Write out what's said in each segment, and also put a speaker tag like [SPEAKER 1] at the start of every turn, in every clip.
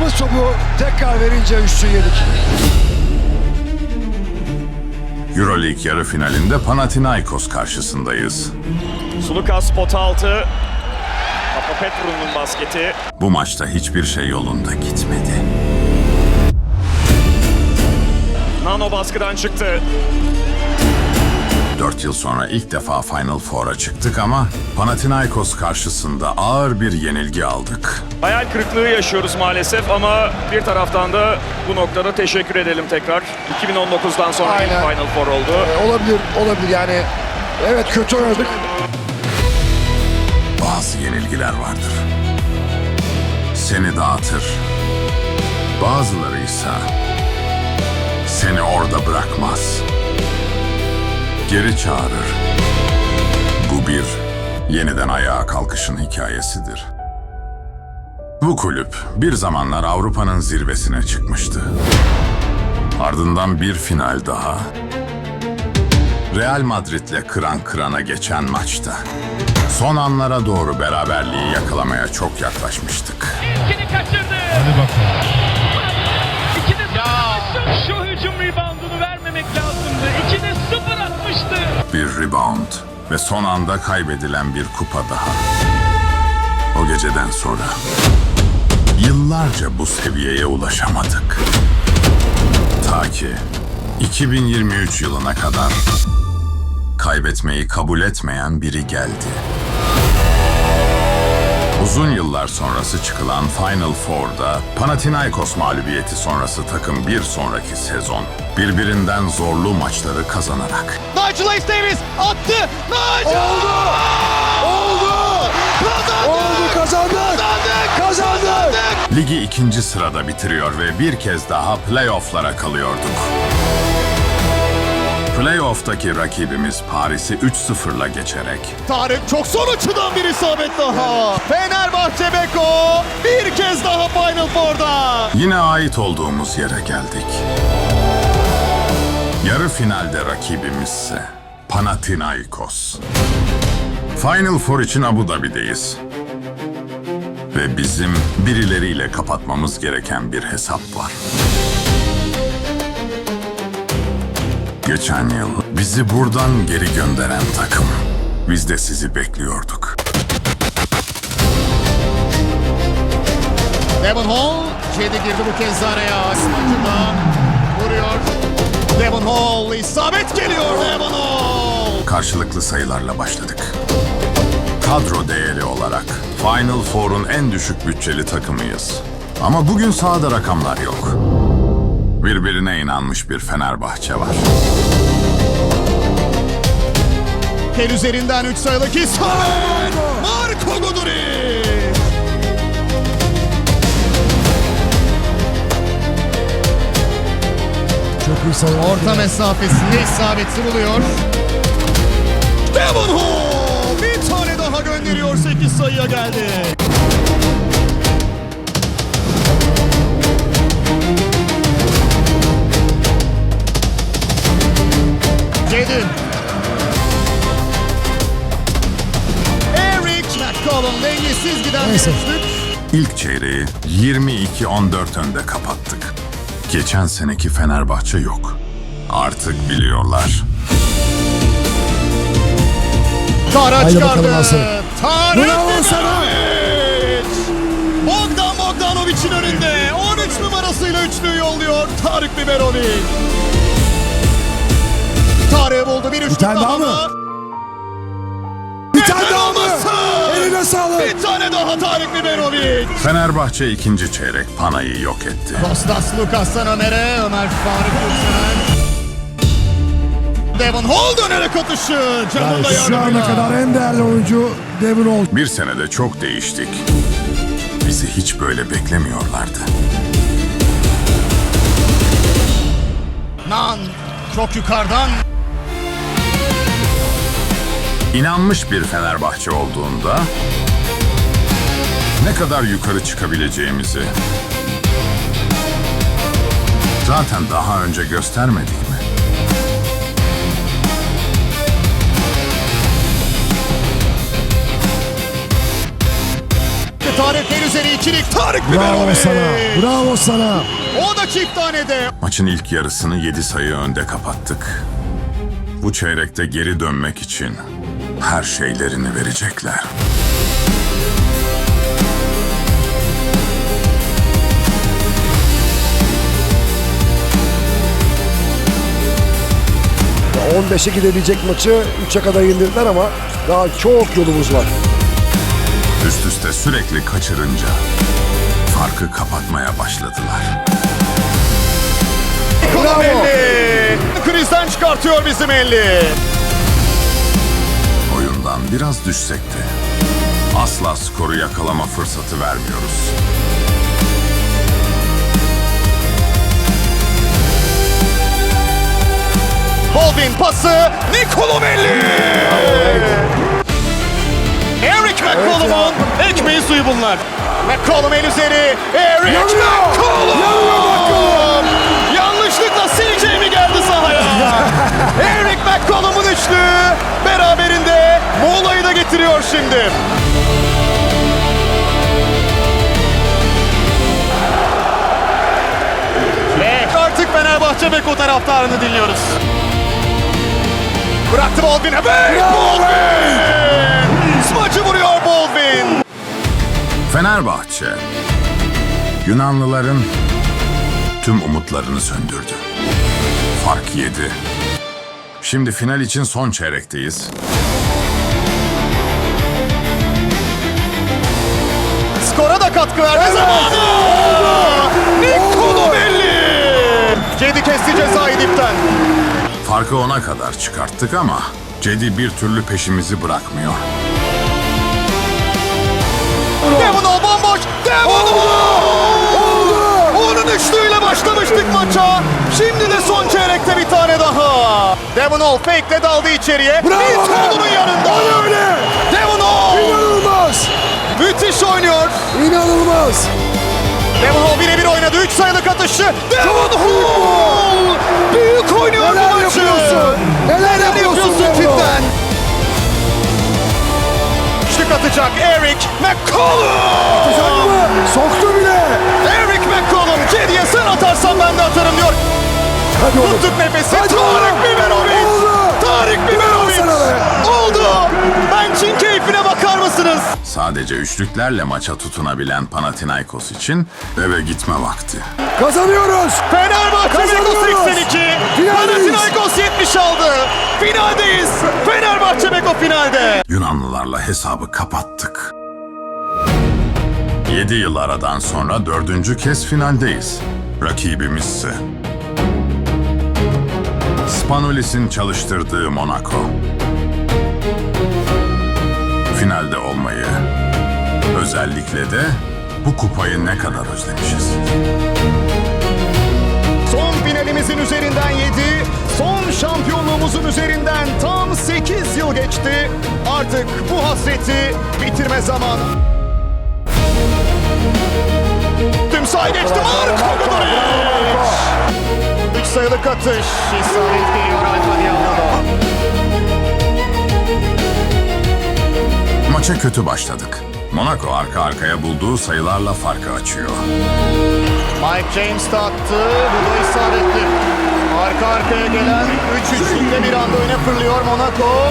[SPEAKER 1] Aldığımız topu tekrar verince üstü yedik.
[SPEAKER 2] Euroleague yarı finalinde Panathinaikos karşısındayız.
[SPEAKER 3] Sulukas pot altı. Papapetroun'un basketi.
[SPEAKER 2] Bu maçta hiçbir şey yolunda gitmedi.
[SPEAKER 3] Nano baskıdan çıktı.
[SPEAKER 2] 4 yıl sonra ilk defa Final Four'a çıktık ama Panathinaikos karşısında ağır bir yenilgi aldık.
[SPEAKER 3] Hayal kırıklığı yaşıyoruz maalesef ama bir taraftan da bu noktada teşekkür edelim tekrar. 2019'dan sonra ilk
[SPEAKER 1] Aynen.
[SPEAKER 3] Final Four oldu.
[SPEAKER 1] Olabilir yani. Evet, kötü oynadık.
[SPEAKER 2] Bazı yenilgiler vardır. Seni dağıtır. Bazıları ise seni orada bırakmaz. Geri çağırır. Bu bir yeniden ayağa kalkışın hikayesidir. Bu kulüp bir zamanlar Avrupa'nın zirvesine çıkmıştı. Ardından bir final daha. Real Madrid'le kıran kırana geçen maçta. Son anlara doğru beraberliği yakalamaya çok yaklaşmıştık.
[SPEAKER 4] İlkini kaçırdı.
[SPEAKER 5] Hadi bakalım.
[SPEAKER 4] İkide sıfır atmıştı. Şu hücum reboundunu vermemek lazımdı. İkide sıfır atmıştı.
[SPEAKER 2] Bir rebound ve son anda kaybedilen bir kupa daha. O geceden sonra yıllarca bu seviyeye ulaşamadık. Ta ki 2023 yılına kadar kaybetmeyi kabul etmeyen biri geldi. Uzun yıllar sonrası çıkılan Final Four'da Panathinaikos mağlubiyeti sonrası takım bir sonraki sezon birbirinden zorlu maçları kazanarak
[SPEAKER 6] Nigel Ace Davis attı. Nigel! Oldu! Kazandık!
[SPEAKER 2] ligi 2. sırada bitiriyor ve bir kez daha playoff'lara kalıyorduk. Playoff'taki rakibimiz Paris'i 3-0'la geçerek
[SPEAKER 6] Tarık çok son açıdan bir isabet daha. Fenerbahçe Beko bir kez daha Final Four'da.
[SPEAKER 2] yine ait olduğumuz yere geldik. Yarı finalde rakibimizse Panathinaikos. Final Four için Abu Dhabi'deyiz. Ve bizim birileriyle kapatmamız gereken bir hesap var. Geçen yıl bizi buradan geri gönderen takım. Biz de sizi bekliyorduk.
[SPEAKER 6] Devon Hall, Cedi girdi bu kez araya. Maçında vuruyor. Devon Hall, isabet geliyor Devon Hall.
[SPEAKER 2] Karşılıklı sayılarla başladık. Kadro değeri olarak Final Four'un en düşük bütçeli takımıyız. Ama bugün sahada rakamlar yok. Birbirine inanmış bir Fenerbahçe var.
[SPEAKER 6] Kel üzerinden 3 sayılık isabet. Marko Guduric.
[SPEAKER 5] Çok iyi sayı.
[SPEAKER 6] Orta mesafesinde isabeti buluyor. Devon Hall bir tane daha gönderiyor, 8 sayıya geldi. Cedi. Eric McCollum dengesiz giden bir
[SPEAKER 5] Neyse.
[SPEAKER 6] üçlük.
[SPEAKER 2] İlk çeyreği 22-14 önde kapattık. Geçen seneki Fenerbahçe yok. Artık biliyorlar.
[SPEAKER 6] Tarık
[SPEAKER 5] Haydi
[SPEAKER 6] çıkardı.
[SPEAKER 5] bakalım Hasan.
[SPEAKER 6] Tarık
[SPEAKER 5] Bravo sana.
[SPEAKER 6] Bogdanovic'in önünde 13 numarasıyla üçlüyü yolluyor Tarık Biberovic. Tarık'ı buldu, bir üçlük
[SPEAKER 5] tane daha mı? Bir tane daha mı? Eline sağlık.
[SPEAKER 6] Bir tane daha Tarık Biberovic.
[SPEAKER 2] Fenerbahçe ikinci çeyrek Panay'ı yok etti.
[SPEAKER 6] Kostas Lukas'tan Ömer'e, Ömer Faruk Gülseren. Devon Hall dönerek atışı. Canın da
[SPEAKER 5] Yani şu ana
[SPEAKER 6] yardımıyla.
[SPEAKER 5] kadar en değerli oyuncu Devon Hall.
[SPEAKER 2] Bir senede çok değiştik. Bizi hiç böyle beklemiyorlardı.
[SPEAKER 6] Nan çok yukarıdan.
[SPEAKER 2] İnanmış bir Fenerbahçe olduğunda ne kadar yukarı çıkabileceğimizi zaten daha önce göstermedik mi?
[SPEAKER 6] Tarık henüz üzeri ikilik Tarık
[SPEAKER 5] Bravo
[SPEAKER 6] Biberovic.
[SPEAKER 5] sana. Bravo sana.
[SPEAKER 6] O da çift tanede.
[SPEAKER 2] Maçın ilk yarısını 7 sayı önde kapattık. Bu çeyrekte geri dönmek için her şeylerini verecekler.
[SPEAKER 1] Ya 15'e gidebilecek maçı 3'e kadar indirdiler ama daha çok yolumuz var.
[SPEAKER 2] Üst üste sürekli kaçırınca farkı kapatmaya başladılar.
[SPEAKER 6] Kolomelli. Krizden çıkartıyor bizim elli.
[SPEAKER 2] Oyundan biraz düşsek de asla skoru yakalama fırsatı vermiyoruz.
[SPEAKER 6] Baldwin pası. Nicolomelli. Eric McCollum'un ekmeği suyu bunlar. McCollum el üzeri. Eric McCollum. Yanlışlıkla CJ mi geldi sahaya? Eric McCollum'un üçlü beraberinde Mola'yı da getiriyor şimdi. Ve artık Fenerbahçe Beko taraftarını dinliyoruz. Bıraktı Baldwin'e. Ve Baldwin! Smacı vuruyor Baldwin.
[SPEAKER 2] Fenerbahçe, Yunanlıların tüm umutlarını söndürdü. Fark 7. Şimdi final için son çeyrekteyiz.
[SPEAKER 6] Skora da katkı verdi zamanı. Nicolomelli. Cedi kesti cezayı dipten.
[SPEAKER 2] Farkı 10'a kadar çıkarttık ama Cedi bir türlü peşimizi bırakmıyor.
[SPEAKER 6] Devon Hall bomboş. Devon Hall. Onun üçlüğüyle başlamıştık maça. Şimdi de son çeyrekte bir tane daha. Devon Hall fake'le daldı içeriye. Nicolo'nun yanında.
[SPEAKER 1] Öyle.
[SPEAKER 6] Devon Hall.
[SPEAKER 1] İnanılmaz.
[SPEAKER 6] Müthiş oynuyor.
[SPEAKER 1] İnanılmaz.
[SPEAKER 6] Devon Hall birebir oynadı. 3 sayılık atışı. Devon Hall. Büyük oynuyor bu
[SPEAKER 1] Neler
[SPEAKER 6] maçı.
[SPEAKER 1] yapıyorsun? Neler yapıyorsun Devon Hall?
[SPEAKER 6] cidden? Şık atacak Eric McCollum.
[SPEAKER 1] Güzel mi? Soktu bile.
[SPEAKER 6] Eric McCollum. Cedi'ye sen atarsan ben de atarım diyor.
[SPEAKER 1] Hadi oğlum.
[SPEAKER 6] Tuttuk nefesi.
[SPEAKER 1] Hadi
[SPEAKER 6] Tarık
[SPEAKER 1] oğlum.
[SPEAKER 6] Biberovic.
[SPEAKER 1] Oldu.
[SPEAKER 6] Tarık Biberovic.
[SPEAKER 1] Sana be.
[SPEAKER 6] Oldu. Bench'in keyfine bakar mısınız?
[SPEAKER 2] Sadece üçlüklerle maça tutunabilen Panathinaikos için eve gitme vakti.
[SPEAKER 1] Kazanıyoruz.
[SPEAKER 6] Fenerbahçe Beko
[SPEAKER 1] Kazanıyoruz.
[SPEAKER 6] 82.
[SPEAKER 1] Finaldeyiz.
[SPEAKER 6] Panathinaikos 70 aldı. Finaldeyiz. Fenerbahçe Beko finalde.
[SPEAKER 2] Yunanlılarla hesabı kapattık. 7 yıl aradan sonra 4. kez finaldeyiz. Rakibimizse Spanulis'in çalıştırdığı Monaco. Finalde olmayı, özellikle de bu kupayı ne kadar özlemişiz.
[SPEAKER 6] Son finalimizin üzerinden 7, son şampiyonluğumuzun üzerinden tam 8 yıl geçti. Artık bu hasreti bitirme zamanı. Tüm sahayı geçti. Marko Guduric. 3 sayılık atış. İsabet geliyor Alfa Diallo'da.
[SPEAKER 2] Maça kötü başladık. Monaco arka arkaya bulduğu sayılarla farkı açıyor.
[SPEAKER 6] Mike James de attı. Bu da isabetli. Arka arkaya gelen 3 üçlükle bir anda öne fırlıyor Monaco.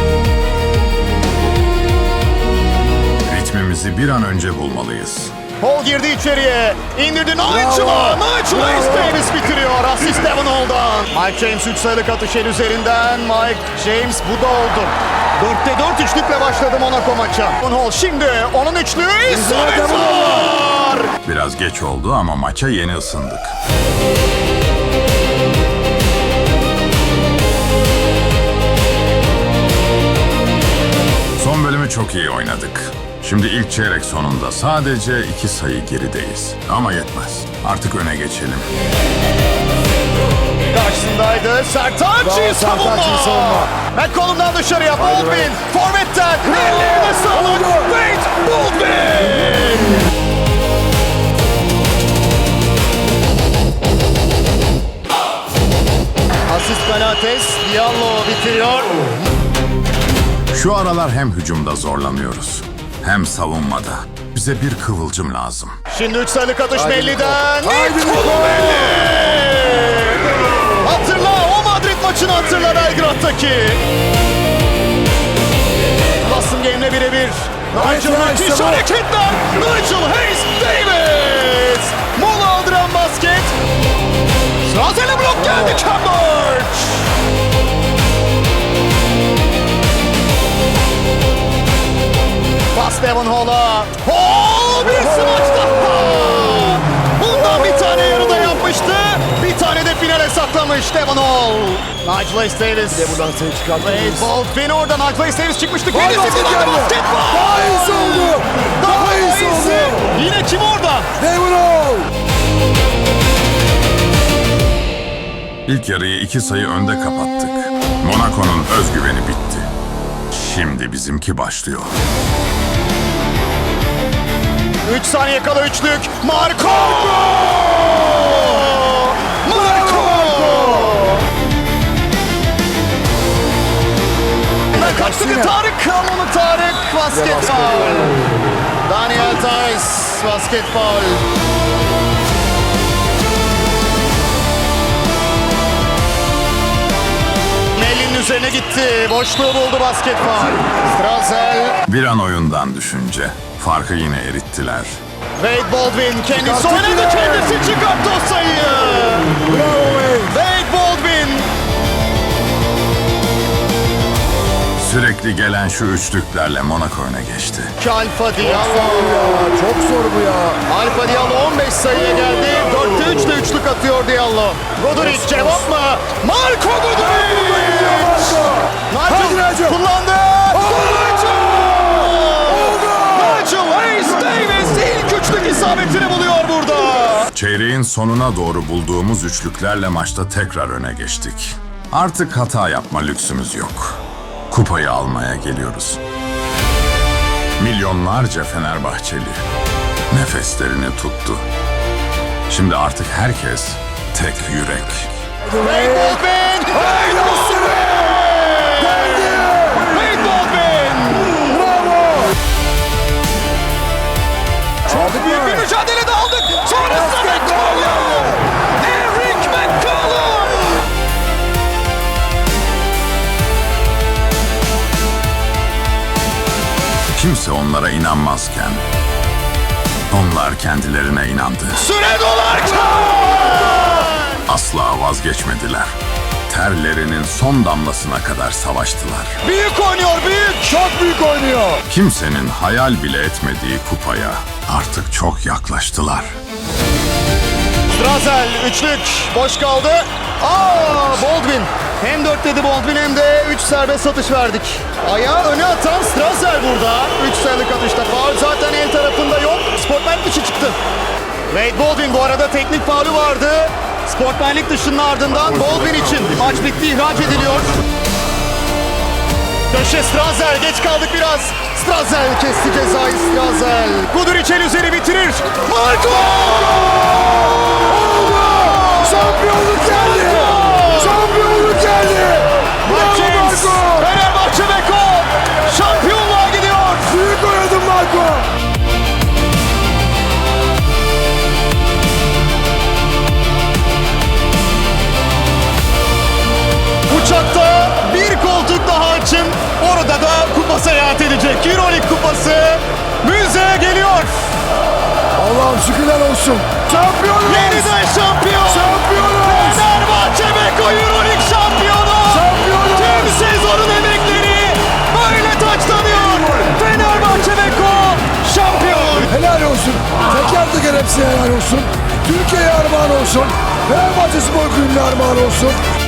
[SPEAKER 2] Ritmimizi bir an önce bulmalıyız.
[SPEAKER 6] Hall girdi içeriye. İndirdi Nigel'a. Nigel Davis bitiriyor. Asist Devon Hall'dan. Mike James 3 sayılık atış el üzerinden. Mike James bu da oldu. 4'te 4 üçlükle başladı Monaco maça. Devon Hall şimdi onun üçlüğü isabet var.
[SPEAKER 2] Biraz geç oldu ama maça yeni ısındık. Son bölümü çok iyi oynadık. Şimdi ilk çeyrek sonunda sadece 2 sayı gerideyiz. Ama yetmez. Artık öne geçelim.
[SPEAKER 6] Karşısındaydı. Sertaç'ı savunma. McCollum'dan dışarıya Baldwin. Forvet'ten. Ellerine sağlık. Wade Baldwin. Asist Benates. Diallo bitiriyor.
[SPEAKER 2] Şu aralar hem hücumda zorlanıyoruz, hem savunmada. bize bir kıvılcım lazım.
[SPEAKER 6] Şimdi 3 sayılık atış
[SPEAKER 1] Haydi
[SPEAKER 6] Melli'den.
[SPEAKER 1] Niko. Haydi
[SPEAKER 6] Niko
[SPEAKER 1] Niko.
[SPEAKER 6] Melli! Hatırla, o Madrid maçını hatırla Belgrad'daki. Boston Game'le birebir. Nigel
[SPEAKER 1] nice,
[SPEAKER 6] müthiş
[SPEAKER 1] tamam.
[SPEAKER 6] hareketler. Nigel Hayes-Davis. Mola aldıran basket. Strazel'e blok geldi Cambridge. Pas Devon Hall'a. Hall bir smaç daha. Bundan bir tane yarıda yapmıştı. Bir tane de finale saklamış Devon Hall. Nigel Hayes-Davis.
[SPEAKER 1] De buradan seni
[SPEAKER 6] Wade
[SPEAKER 1] çıkartmalıyız.
[SPEAKER 6] Baldwin orada. Nigel Hayes-Davis çıkmıştı.
[SPEAKER 1] Vay,
[SPEAKER 6] Kendisi
[SPEAKER 1] basket
[SPEAKER 6] kullandı
[SPEAKER 1] geldi.
[SPEAKER 6] basketbol.
[SPEAKER 1] Daha iyisi oldu. Daha iyisi oldu.
[SPEAKER 6] Yine kim orada?
[SPEAKER 1] Devon Hall.
[SPEAKER 2] İlk yarıyı 2 sayı önde kapattık. Monaco'nun özgüveni bitti. Şimdi bizimki başlıyor.
[SPEAKER 6] 3 saniye kala üçlük. Marco! Marco! Kaçtı bir Tarık. Kalmalı Tarık. Basket faul. Daniel Tice. Basket faul. Melli'nin üzerine gitti. Boşluğu buldu basket faul. Strazel.
[SPEAKER 2] Bir an oyundan düşünce farkı yine erittiler.
[SPEAKER 6] Wade Baldwin kendisi
[SPEAKER 1] Çıkarttı
[SPEAKER 6] oynadı,
[SPEAKER 1] bile.
[SPEAKER 6] kendisi çıkarttı o sayıyı.
[SPEAKER 1] Bravo Wade.
[SPEAKER 6] Wade Baldwin.
[SPEAKER 2] Sürekli gelen şu üçlüklerle Monaco öne geçti.
[SPEAKER 6] Alfa Diallo.
[SPEAKER 1] Ya, çok zor bu ya.
[SPEAKER 6] Alfa Diallo 15 sayıya geldi. 4'te 3'te üçlük atıyor Diallo. Goduric cevap mı? Marco Goduric.
[SPEAKER 1] Hadi
[SPEAKER 6] Nigel
[SPEAKER 1] Nigel.
[SPEAKER 6] kullandı. Nigel Hayes-Davis ilk üçlük isabetini buluyor burada.
[SPEAKER 2] Çeyreğin sonuna doğru bulduğumuz üçlüklerle maçta tekrar öne geçtik. Artık hata yapma lüksümüz yok. Kupayı almaya geliyoruz. Milyonlarca Fenerbahçeli nefeslerini tuttu. Şimdi artık herkes tek yürek.
[SPEAKER 6] Wade Baldwin. Wade Baldwin. Wade Baldwin. Çok büyük bir mücadele de aldık. Sonrasında McCollum. Eric McCollum.
[SPEAKER 2] Kimse onlara inanmazken onlar kendilerine inandı.
[SPEAKER 6] Süre dolarken.
[SPEAKER 2] Asla vazgeçmediler. Terlerinin son damlasına kadar savaştılar.
[SPEAKER 6] Büyük oynuyor, büyük.
[SPEAKER 1] Çok büyük oynuyor.
[SPEAKER 2] Kimsenin hayal bile etmediği kupaya artık çok yaklaştılar.
[SPEAKER 6] Strazel üçlük boş kaldı. Baldwin. Hem 4 dedi Baldwin hem de 3 serbest atış verdik. Ayağı öne atan Strazel burada. 3 sayılık atışta faul zaten el tarafında yok. Sportmenlik dışı çıktı. Wade Baldwin bu arada teknik faulü vardı. Sportmenlik dışının ardından Baldwin için maç bitti, ihraç ediliyor. Köşe Strazel, geç kaldık biraz. Strazel kesti cezayı Strazel. Guduric el üzeri bitirir. Marco!
[SPEAKER 1] Şampiyonluk geldi. Şampiyonluk geldi.
[SPEAKER 6] Mike James,
[SPEAKER 1] Marco.
[SPEAKER 6] Fenerbahçe Beko şampiyonluğa gidiyor.
[SPEAKER 1] Büyük oynadın Marco.
[SPEAKER 6] Uçakta bir koltuk daha açın. Orada da kupa seyahat edecek. Euroleague kupası müzeye geliyor.
[SPEAKER 1] Allah'ım şükürler olsun. Şampiyonuz.
[SPEAKER 6] Yeniden şampiyon.
[SPEAKER 1] Şampiyonuz.
[SPEAKER 6] Fenerbahçe Beko Euroleague şampiyonu.
[SPEAKER 1] Şampiyonuz.
[SPEAKER 6] Tüm sezonun emekleri böyle taçlanıyor. Fenerbahçe Beko şampiyon.
[SPEAKER 1] Helal olsun. Teker teker hepsine helal olsun. Türkiye'ye armağan olsun. Fenerbahçe Spor Kulübü'ne armağan olsun.